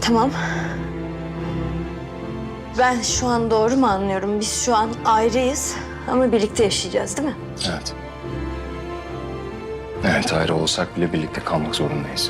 Tamam. Ben şu an doğru mu anlıyorum? Biz şu an ayrıyız ama birlikte yaşayacağız değil mi? Evet. Evet, ayrı olsak bile birlikte kalmak zorundayız.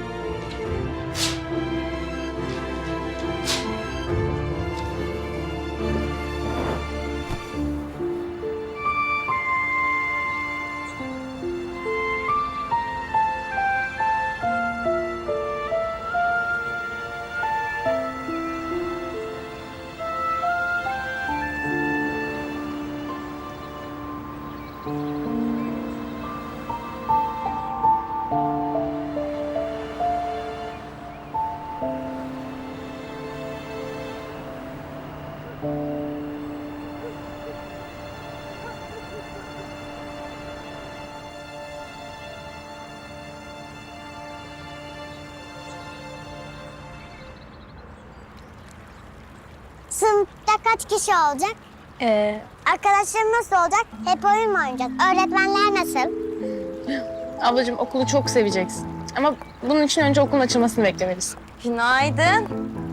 Sınıfta kaç kişi olacak? Arkadaşlarım nasıl olacak? Hep oyun mu oynayacağız? Öğretmenler nasıl? Ablacığım okulu çok seveceksin. Ama bunun için önce okulun açılmasını beklemelisin. Günaydın.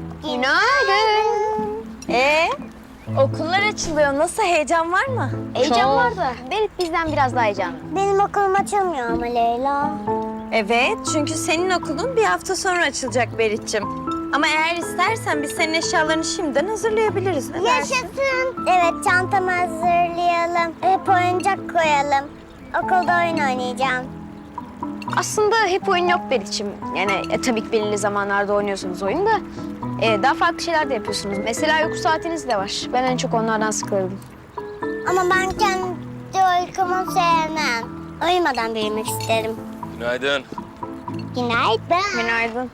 Okullar açılıyor. Nasıl, heyecan var mı? Heyecan var da Berit bizden biraz daha heyecanlı. Benim okulum açılmıyor ama Leyla. Evet, çünkü senin okulun bir hafta sonra açılacak Berit'ciğim. Ama eğer istersen biz senin eşyalarını şimdiden hazırlayabiliriz. Ne dersin? Yaşasın. Evet, çantamı hazırlayalım. Hep oyuncak koyalım. Okulda oyun oynayacağım. Aslında hep oyun yok Berit'ciğim. Yani tabii ki belirli zamanlarda oynuyorsunuz oyun da daha farklı şeyler de yapıyorsunuz. Mesela uyku saatiniz de var. Ben en çok onlardan sıkıldım. Ama ben kendi uykumu sevmem. Uyumadan büyümek isterim. Günaydın. Günaydın. Günaydın.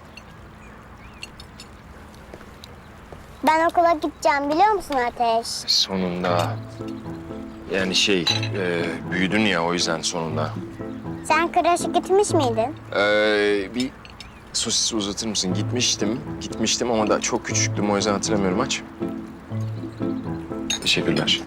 Ben okula gideceğim biliyor musun Ateş? Sonunda. Yani büyüdün ya, o yüzden sonunda. Sen kreşe gitmiş miydin? Bir sosis uzatır mısın? Gitmiştim ama da çok küçüktüm, o yüzden hatırlamıyorum. Aç. Teşekkürler.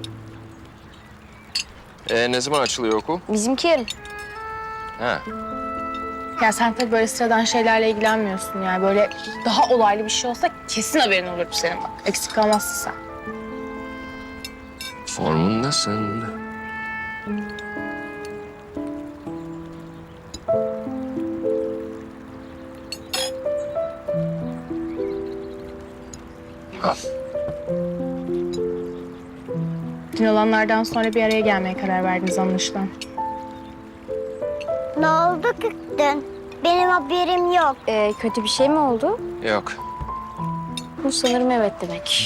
Ne zaman açılıyor okul? Bizimki yarın. Ha. Ya sen tabii böyle sıradan şeylerle ilgilenmiyorsun yani. Böyle daha olaylı bir şey olsa kesin haberin olurdu senin bak. Eksik kalmazsın sen. Formundasın. Al. Dün olanlardan sonra bir araya gelmeye karar verdiniz anlaşılan. Ne oldu ki dün? Benim haberim yok. Kötü bir şey mi oldu? Yok. Bu sanırım evet demek.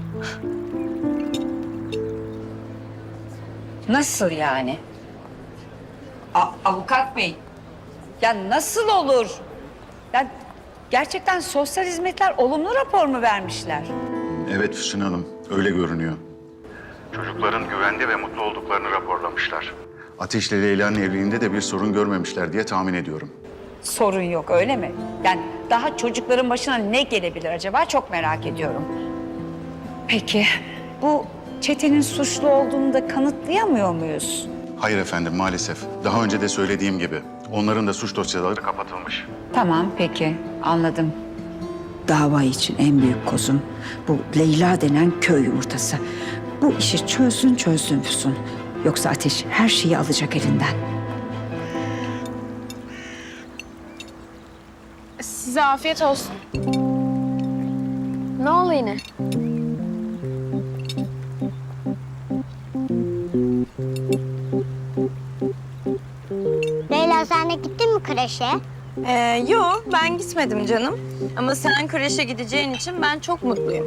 Nasıl yani? Avukat bey, ya nasıl olur? Ya gerçekten sosyal hizmetler olumlu rapor mu vermişler? Evet Füsun Hanım, öyle görünüyor. Çocukların güvende ve mutlu olduklarını raporlamışlar. Ateş'le Leyla'nın evliliğinde de bir sorun görmemişler diye tahmin ediyorum. Sorun yok öyle mi? Yani daha çocukların başına ne gelebilir acaba çok merak ediyorum. Peki bu çetenin suçlu olduğunu da kanıtlayamıyor muyuz? Hayır efendim, maalesef. Daha önce de söylediğim gibi onların da suç dosyaları Kapatılmış. Tamam peki anladım. Dava için en büyük kozum bu Leyla denen köy yumurtası. Bu işi çözsün Füsun. Yoksa Ateş her şeyi alacak elinden. Size afiyet olsun. Ne oldu yine? Leyla sen de gittin mi kreşe? Yok, ben gitmedim canım. Ama sen kreşe gideceğin için ben çok mutluyum.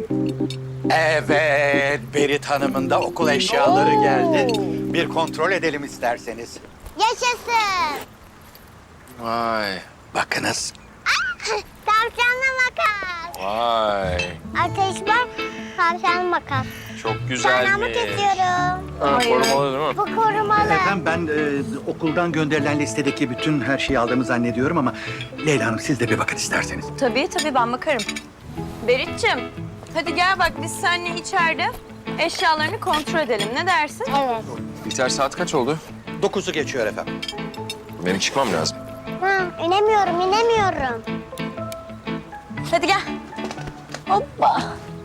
Evet, Berit Hanım'ın da okul eşyaları geldi. Bir kontrol edelim isterseniz. Yaşasın. Vay. Bakınız. Tavşanlı makas. Vay. Ateş bak. Tavşanlı makas. Çok Tırnağımı güzelmiş. kesiyorum. Korumalı değil mi? Bu korumalı. Efendim ben okuldan gönderilen listedeki bütün her şeyi aldığımı zannediyorum ama Leyla Hanım siz de bir bakın isterseniz. Tabii ben bakarım. Berit'ciğim, hadi gel bak biz seninle içeride eşyalarını kontrol edelim. Ne dersin? Evet. Biter, saat kaç oldu? 9'u geçiyor efendim. Benim çıkmam lazım. Ha, inemiyorum. Hadi gel. Hoppa.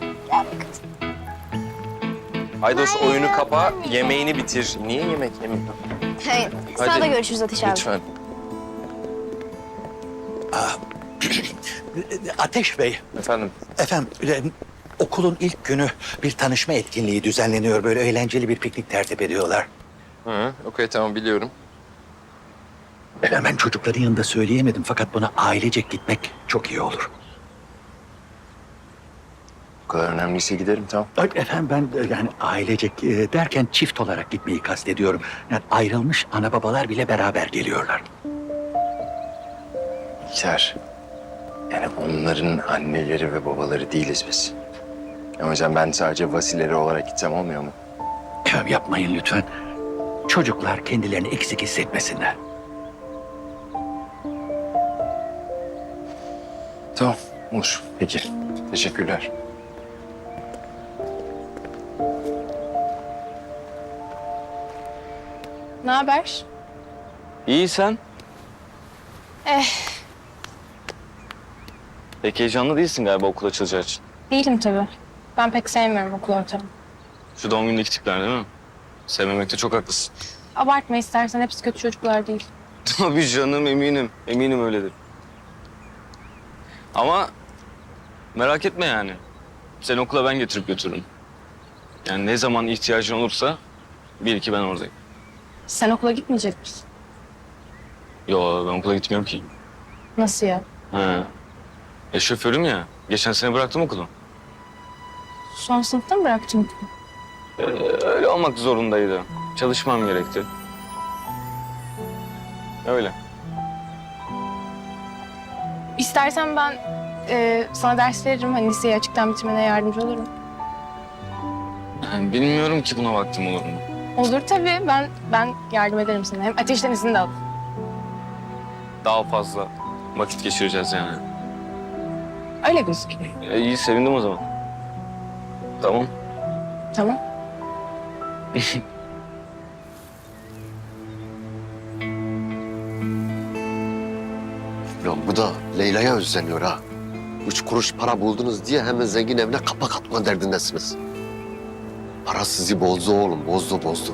Aydos oyunu kapa, yemeğini bitir. Niye yemek yemiyor? Hayır. Sınavda görüşürüz Ateş abi. Lütfen. Ateş Bey, Efendim. efendim okulun ilk günü bir tanışma etkinliği düzenleniyor. Böyle eğlenceli bir piknik tertip ediyorlar. Hı, okey tamam biliyorum. Ben çocukların yanında söyleyemedim fakat buna ailecek gitmek çok iyi olur. Bu kadar önemliyse giderim tamam. Ay, efendim ben yani ailecek derken çift olarak gitmeyi kastediyorum. Yani ayrılmış ana babalar bile beraber geliyorlar. Bihter. Yani onların anneleri ve babaları değiliz biz. O yüzden ben sadece vasileri olarak gitsem olmuyor mu? Yapmayın lütfen. Çocuklar kendilerini eksik hissetmesinler. Tamam olur. Peki. Teşekkürler. Ne haber? İyi sen? Pek heyecanlı değilsin galiba okul açılacağı için. Değilim tabii. Ben pek sevmiyorum okul ortamını. Şu doğum günündeki tipler değil mi? Sevmemekte çok haklısın. Abartma istersen, hepsi kötü çocuklar değil. Tabii canım eminim. Eminim öyledir. Ama merak etme yani. Seni okula ben getirip götürürüm. Yani ne zaman ihtiyacın olursa bil ki ben oradayım. Sen okula gitmeyecek misin? Yo ben okula gitmiyorum ki. Nasıl ya? Ha. Şoförüm ya. Geçen sene bıraktım okulu. Son sınıfta mı bıraktın? Öyle olmak zorundaydı. Çalışmam gerekti. Öyle. İstersen ben sana ders veririm. Hani liseyi açıktan bitirmene yardımcı olurum. Yani bilmiyorum ki buna vaktim olur mu? Olur tabii. Ben yardım ederim sana. Hem ateşten izin de al. Daha fazla vakit geçireceğiz yani. Öyle gözüküyor. İyi sevindim o zaman. Tamam. Tamam. Ya bu da Leyla'ya özleniyor ha. 3 kuruş para buldunuz diye hemen zengin evine kapak atma derdindesiniz. Para sizi bozdu oğlum, bozdu.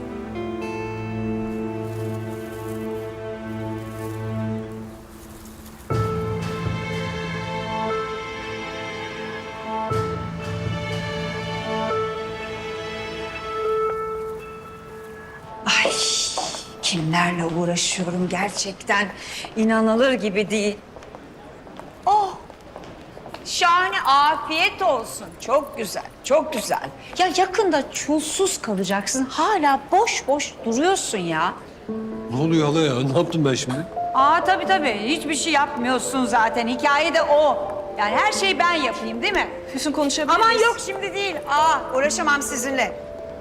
Ay, kimlerle uğraşıyorum gerçekten. İnanılır gibi değil. Oh, şahane, afiyet olsun. Çok güzel, çok güzel. Ya yakında çulsuz kalacaksın. Hala boş boş duruyorsun ya. Ne oluyor hala ya? Ne yaptım ben şimdi? Tabii. Hiçbir şey yapmıyorsun zaten. Hikaye de o. Yani her şeyi ben yapayım değil mi? Füsun konuşabilir Aman miyiz? yok şimdi değil. Uğraşamam sizinle.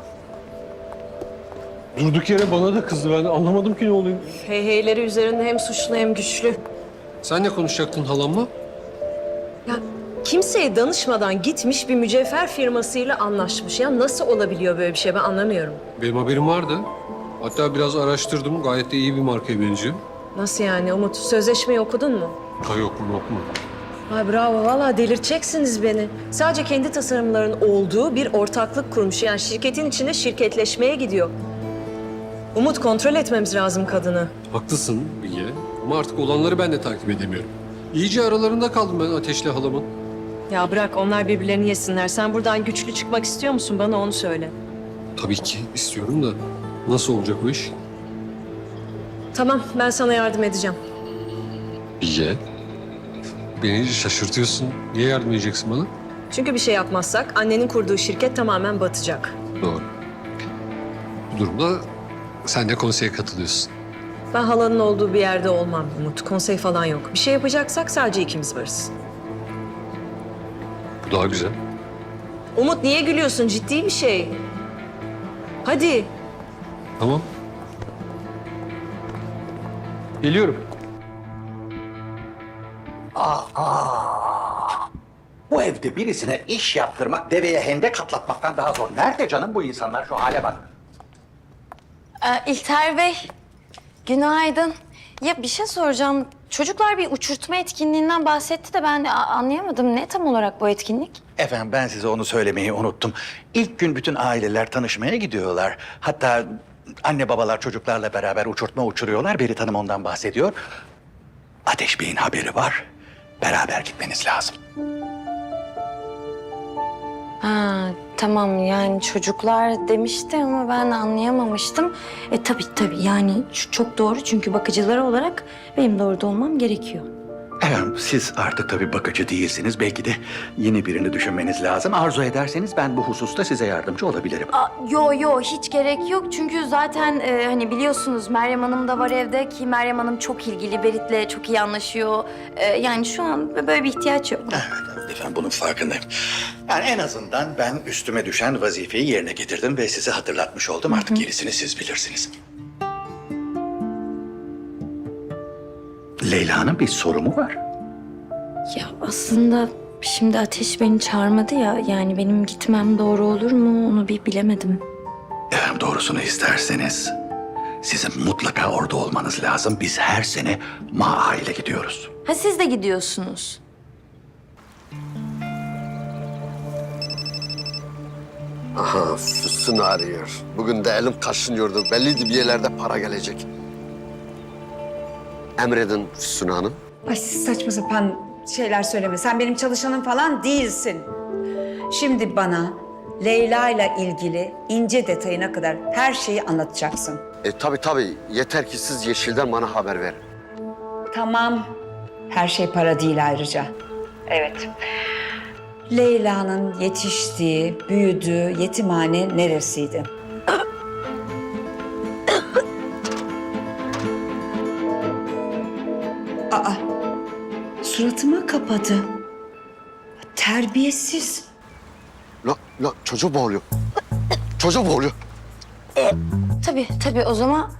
Durduk yere bana da kızdı. Ben anlamadım ki ne oluyor. Heyheyleri üzerinde hem suçlu hem güçlü. Sen ne konuşacaktın halamla? Ya kimseye danışmadan gitmiş bir mücevher firmasıyla anlaşmış. Ya nasıl olabiliyor böyle bir şey ben anlamıyorum. Benim haberim vardı. Hatta biraz araştırdım. Gayet de iyi bir markaya benziyor. Nasıl yani Umut? Sözleşmeyi okudun mu? Ha yok mu? Ay bravo vallahi delirteceksiniz beni. Sadece kendi tasarımların olduğu bir ortaklık kurmuş. Yani şirketin içinde şirketleşmeye gidiyor. Umut kontrol etmemiz lazım kadını. Haklısın Bilge. Ama artık olanları ben de takip edemiyorum. İyice aralarında kaldım ben Ateş'le halamın. Ya bırak onlar birbirlerini yesinler. Sen buradan güçlü çıkmak istiyor musun? Bana onu söyle. Tabii ki istiyorum da nasıl olacak o iş? Tamam ben sana yardım edeceğim. Bilge. Beni şaşırtıyorsun. Niye yardım edeceksin bana? Çünkü bir şey yapmazsak annenin kurduğu şirket tamamen batacak. Doğru. Bu durumda sen de konseye katılıyorsun. Ben halanın olduğu bir yerde olmam Umut. Konsey falan yok. Bir şey yapacaksak sadece ikimiz varız. Bu daha güzel. Umut niye gülüyorsun? Ciddi bir şey. Hadi. Tamam. Geliyorum. Bu evde birisine iş yaptırmak deveye hendek atlatmaktan daha zor. Nerede canım bu insanlar? Şu hale bak. İlter Bey, günaydın. Ya bir şey soracağım. Çocuklar bir uçurtma etkinliğinden bahsetti de ben de anlayamadım. Ne tam olarak bu etkinlik? Efendim ben size onu söylemeyi unuttum. İlk gün bütün aileler tanışmaya gidiyorlar. Hatta anne babalar çocuklarla beraber uçurtma uçuruyorlar. Berit Hanım ondan bahsediyor. Ateş Bey'in haberi var. Beraber gitmeniz lazım. Ha, tamam yani çocuklar demişti ama ben anlayamamıştım. Tabii yani çok doğru çünkü bakıcıları olarak benim de orada olmam gerekiyor. Efendim siz artık tabii bakıcı değilsiniz. Belki de yeni birini düşünmeniz lazım. Arzu ederseniz ben bu hususta size yardımcı olabilirim. Yo hiç gerek yok çünkü zaten hani biliyorsunuz Meryem Hanım da var evde ki Meryem Hanım çok ilgili, Berit'le çok iyi anlaşıyor. Yani şu an böyle bir ihtiyaç yok. Evet efendim bunun farkındayım. Yani en azından ben üstüme düşen vazifeyi yerine getirdim ve size hatırlatmış oldum. Artık gerisini siz bilirsiniz. Leyla'nın bir soru mu var? Ya aslında şimdi Ateş beni çağırmadı ya yani benim gitmem doğru olur mu onu bir bilemedim. Efendim doğrusunu isterseniz sizin mutlaka orada olmanız lazım. Biz her sene Maa ile gidiyoruz. Ha siz de gidiyorsunuz. Aha Füsun arıyor. Bugün de elim kaşınıyordu. Belliydi bir yerlerde para gelecek. Emredin Füsun Hanım. Ay saçma sapan şeyler söyleme. Sen benim çalışanım falan değilsin. Şimdi bana Leyla ile ilgili ince detayına kadar her şeyi anlatacaksın. Tabii. Yeter ki siz Yeşil'den bana haber verin. Tamam. Her şey para değil ayrıca. Evet. Leyla'nın yetiştiği, büyüdüğü yetimhane neresiydi? Aa, suratıma kapadı. Terbiyesiz. La çocuk boğuluyor. Çocuk boğuluyor. Tabii o zaman...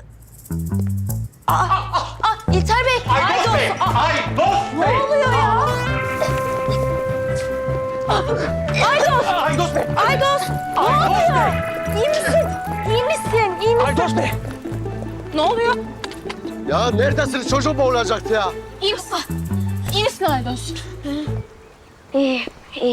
İlter Bey! Aydos Bey! Ne oluyor ya? Aydos Bey! Aydos! Ne oluyor? İyi misin? İyi misin? Aydos Bey! Ne oluyor? Ya neredesiniz? Çocuk boğulacaktı ya. İyi misin? İyi misin Aydos? İyi.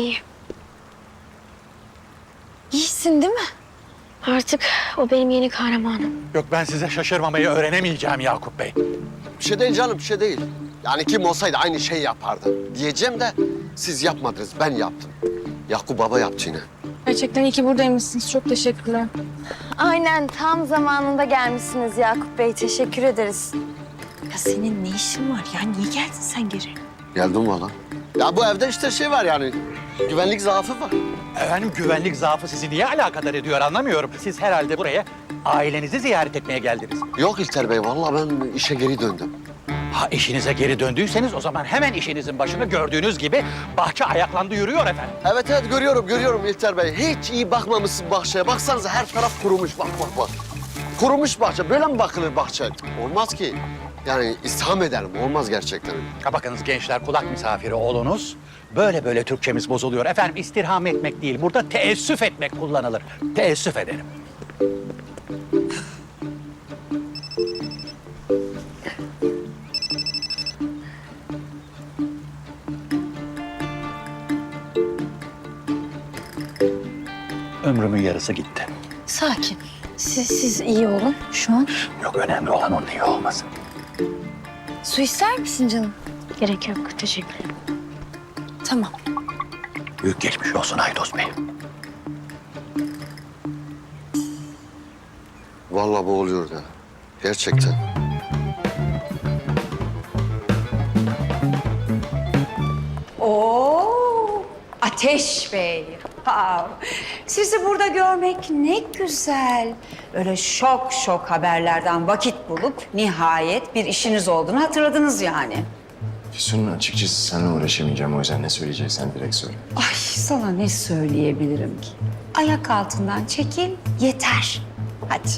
İyisin değil mi? Artık o benim yeni kahramanım. Yok ben size şaşırmamayı öğrenemeyeceğim Yakup Bey. Bir şey değil canım, bir şey değil. Yani kim olsaydı aynı şeyi yapardı. Diyeceğim de siz yapmadınız, ben yaptım. Yakup Baba yaptı yine. Gerçekten iyi ki buradaymışsınız. Çok teşekkürler. Aynen tam zamanında gelmişsiniz Yakup Bey. Teşekkür ederiz. Ya senin ne işin var ya? Niye geldin sen geri? Geldim valla. Ya bu evde işte şey var yani, güvenlik zaafı var. Efendim güvenlik zaafı sizi niye alakadar ediyor anlamıyorum. Siz herhalde buraya ailenizi ziyaret etmeye geldiniz. Yok İlter Bey, valla ben işe geri döndüm. Ha işinize geri döndüyseniz o zaman hemen işinizin başında gördüğünüz gibi bahçe ayaklandı yürüyor efendim. Evet görüyorum İlter Bey. Hiç iyi bakmamışsın bahçeye. Baksanıza her taraf kurumuş, bak. Kurumuş bahçe, böyle mi bakılır bahçe? Olmaz ki. Yani istirham edelim, olmaz gerçekten. Ha bakınız gençler kulak misafiri olunuz. Böyle Türkçemiz bozuluyor. Efendim istirham etmek değil, burada teessüf etmek kullanılır. Teessüf ederim. Ömrümün yarısı gitti. Sakin. Siz iyi olun şu an. Yok önemli olan onun iyi olması. Su ister misin canım? Gerek yok. Teşekkür ederim. Tamam. Büyük geçmiş olsun Aydos Bey. Vallahi boğuluyor da. Gerçekten. Oo, Ateş Bey. Ha, sizi burada görmek ne güzel. Böyle şok haberlerden vakit bulup nihayet bir işiniz olduğunu hatırladınız yani. Füsun açıkçası seninle uğraşamayacağım. O yüzden ne söyleyeceksen direkt söyle. Ay sana ne söyleyebilirim ki? Ayak altından çekil yeter. Hadi.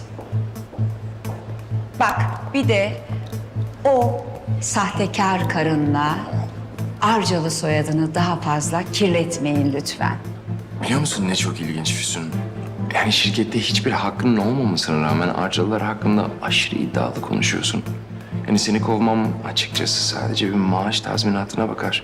Bak bir de o sahtekar karınla Arcalı soyadını daha fazla kirletmeyin lütfen. Biliyor musun ne çok ilginç Füsun? Yani şirkette hiçbir hakkının olmamasına rağmen Arcalılar hakkında aşırı iddialı konuşuyorsun. Hani seni kovmam açıkçası sadece bir maaş tazminatına bakar.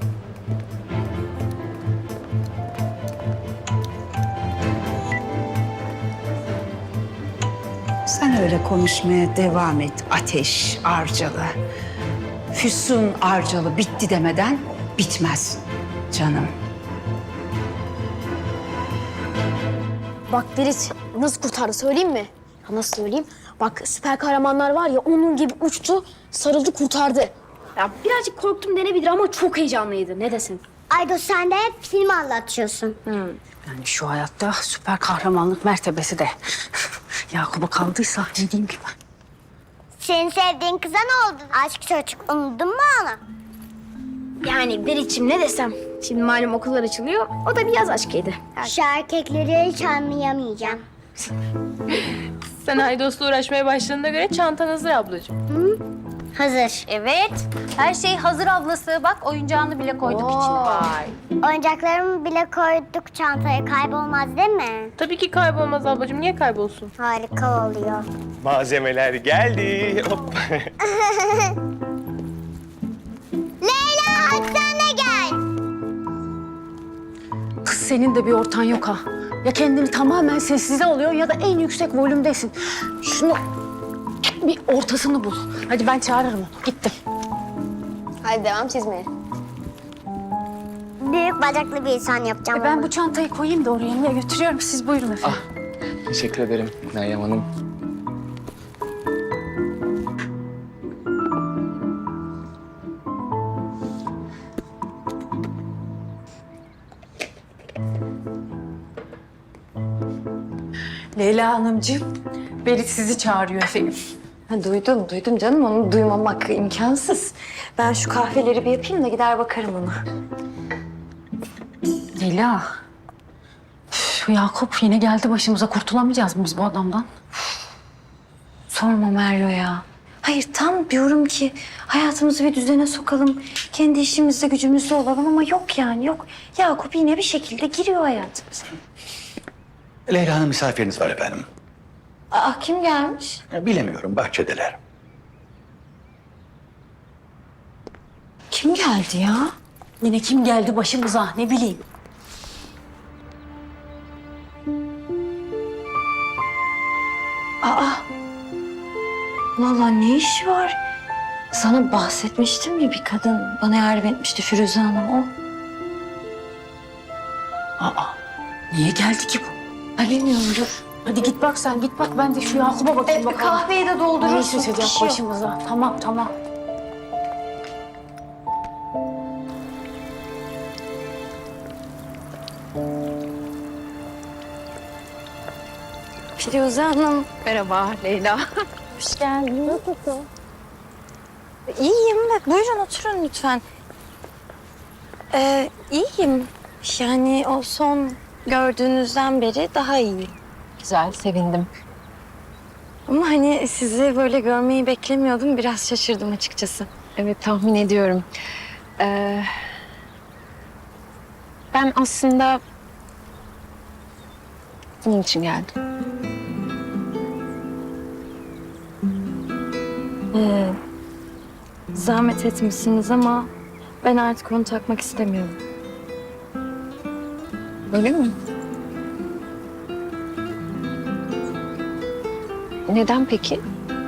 Sen öyle konuşmaya devam et Ateş Arcalı. Füsun Arcalı bitti demeden bitmez canım. Bak Ferit nasıl kurtardı söyleyeyim mi? Ya nasıl söyleyeyim? Bak süper kahramanlar var ya onun gibi uçtu, sarıldı kurtardı. Ya birazcık korktum denebilir ama çok heyecanlıydı. Ne desin? Aydos sen de hep film anlatıyorsun. Yani şu hayatta süper kahramanlık mertebesi de Yakup'a kaldıysa dediğim gibi. Senin sevdiğin kıza ne oldu? Aşk çocuk unuttun mu onu? Yani Ferit'ciğim ne desem? Şimdi malum okullar açılıyor. O da bir yaz aşkıydı. Şu erkekleri hiç anlayamayacağım. Sen Aydos'la uğraşmaya başladığına göre çantan hazır ablacığım. Hazır. Evet. Her şey hazır ablası. Bak oyuncağını bile koyduk içine. Oyuncaklarımı bile koyduk çantaya, kaybolmaz değil mi? Tabii ki kaybolmaz ablacığım. Niye kaybolsun? Harika oluyor. Malzemeler geldi. Hop. Leyla hadi sen de gel. Kız senin de bir ortan yok ha. Ya kendini tamamen sessize alıyorsun ya da en yüksek volümdesin. Şunu bir ortasını bul. Hadi ben çağırırım onu. Gittim. Hadi devam çizmeye. Büyük bacaklı bir insan yapacağım. Ben bu çantayı koyayım da oraya niye götürüyorum. Siz buyurun efendim. Teşekkür ederim Meryem Hanım. Leyla Hanımcığım, Berit sizi çağırıyor efendim. Ha, duydum canım. Onu duymamak imkansız. Ben şu kahveleri bir yapayım da gider bakarım ona. Leyla, şu Yakup yine geldi başımıza. Kurtulamayacağız mı biz bu adamdan? Sorma Merlo ya. Hayır tam diyorum ki hayatımızı bir düzene sokalım. Kendi işimizde gücümüzde olalım ama yok yani yok. Yakup yine bir şekilde giriyor hayatımıza. Leyla Hanım misafiriniz var efendim. Aa kim gelmiş? Bilemiyorum, bahçedeler. Kim geldi ya? Yine kim geldi başımıza ne bileyim. Aa. Vallahi ne işi var? Sana bahsetmiştim ya bir kadın bana yardım etmişti Firuze Hanım o. Aa, niye geldi ki bu? Ay bilmiyorum dur. Hadi git bak sen, git bak. Ben de şu Yakup'a bakayım bakalım. Kahveyi de doldurursun. Ne içecek bir şey yok. başımıza? Tamam. Firuze Hanım. Merhaba Leyla. Hoş geldin. Nasılsın? İyiyim. Buyurun oturun lütfen. İyiyim. Yani o son gördüğünüzden beri daha iyiyim. Güzel, sevindim. Ama hani sizi böyle görmeyi beklemiyordum. Biraz şaşırdım açıkçası. Evet tahmin ediyorum. Ben aslında bunun için geldim. Zahmet etmişsiniz ama ben artık onu takmak istemiyorum. Öyle mi? Neden peki?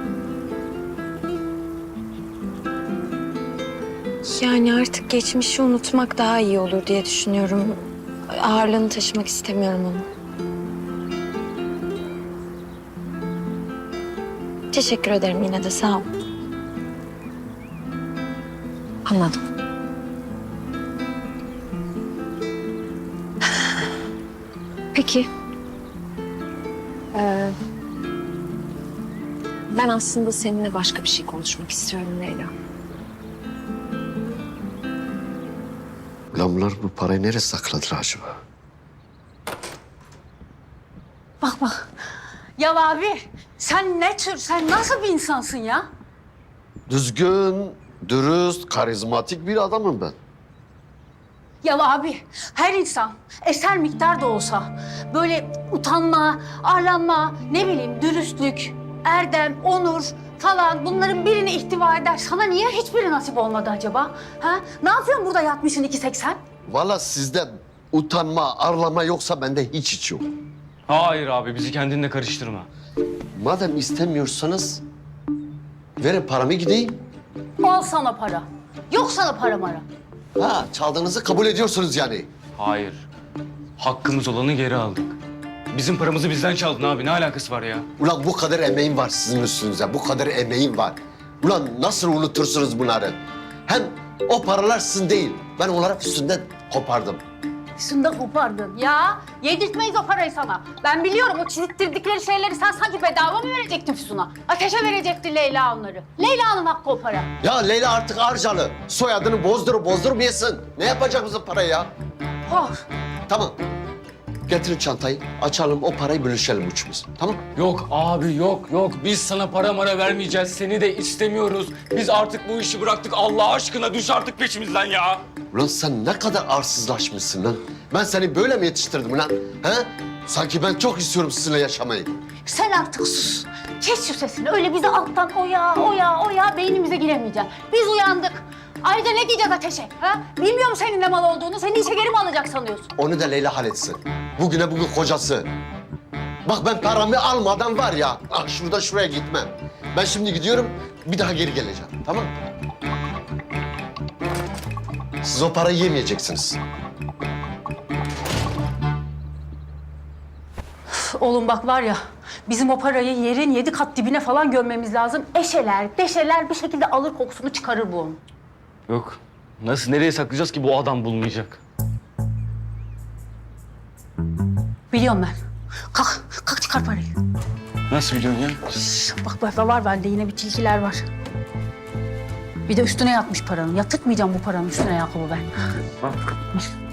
Yani artık geçmişi unutmak daha iyi olur diye düşünüyorum. Ağırlığını taşımak istemiyorum onu. Teşekkür ederim yine de sağ ol. Anladım. Peki. Ben aslında seninle başka bir şey konuşmak istiyorum Leyla. Lan bunlar bu parayı nereye sakladılar acaba? Bak. Ya abi, sen nasıl bir insansın ya? Düzgün, dürüst, karizmatik bir adamım ben. Ya abi, her insan eser miktar da olsa böyle utanma, arlanma, ne bileyim dürüstlük, erdem, onur falan bunların birini ihtiva eder. Sana niye hiçbiri nasip olmadı acaba? Ha? Ne yapıyorsun burada yatmışsın 2.80? Vallahi sizde utanma, arlama yoksa bende hiç yok. Hayır abi bizi kendinle karıştırma. Madem istemiyorsanız verin paramı gideyim. Al sana para. Yok sana para mara. Ha, çaldığınızı kabul ediyorsunuz yani. Hayır. Hakkımız olanı geri aldık. Bizim paramızı bizden çaldın abi. Ne alakası var ya? Ulan bu kadar emeğim var sizin üstünüze, bu kadar emeğim var. Ulan nasıl unutursunuz bunları? Hem o paralar sizin değil, ben onları üstünden kopardım. Üstünde kopardın. Ya yedirtmeyiz o parayı sana. Ben biliyorum o çizittirdikleri şeyleri sen sanki bedava mı verecektin Füsun'a? Ateşe verecekti Leyla onları. Leyla'nın hakkı o para. Ya Leyla artık Arcalı, soyadını bozdurmayasın. Ne yapacak bizim parayı ya? Oh. Tamam, getirin çantayı, açalım o parayı bölüşelim üçümüz, tamam? Yok abi yok. Biz sana para mara vermeyeceğiz. Seni de istemiyoruz. Biz artık bu işi bıraktık. Allah aşkına düş artık peşimizden ya. Ulan sen ne kadar arsızlaşmışsın lan. Ben seni böyle mi yetiştirdim lan? He? Sanki ben çok istiyorum sizinle yaşamayı. Sen artık sus. Kes şu sesini. Öyle bizi alttan oya beynimize giremeyeceksin. Biz uyandık. Ayrıca ne diyeceğiz Ateş'e? Ha? Bilmiyorum senin ne mal olduğunu. Seni işe geri mi alacak sanıyorsun? Onu da Leyla halletsin. Bugüne bugün kocası. Bak ben paramı almadan var ya, şurada şuraya gitmem. Ben şimdi gidiyorum, bir daha geri geleceğim, tamam mı? Siz o parayı yemeyeceksiniz. Oğlum bak var ya, bizim o parayı yerin 7 kat dibine falan gömmemiz lazım. Eşeler, deşeler bir şekilde alır kokusunu çıkarır bu onun. Yok. Nasıl nereye saklayacağız ki bu adam bulmayacak? Biliyorum ben. Kalk çıkar parayı. Nasıl biliyorsun ya? Bak var bende yine bir tilkiler var. Bir de üstüne yatmış paranın. Yatırtmayacağım bu paranın üstüne Yakup'u ben. Bak.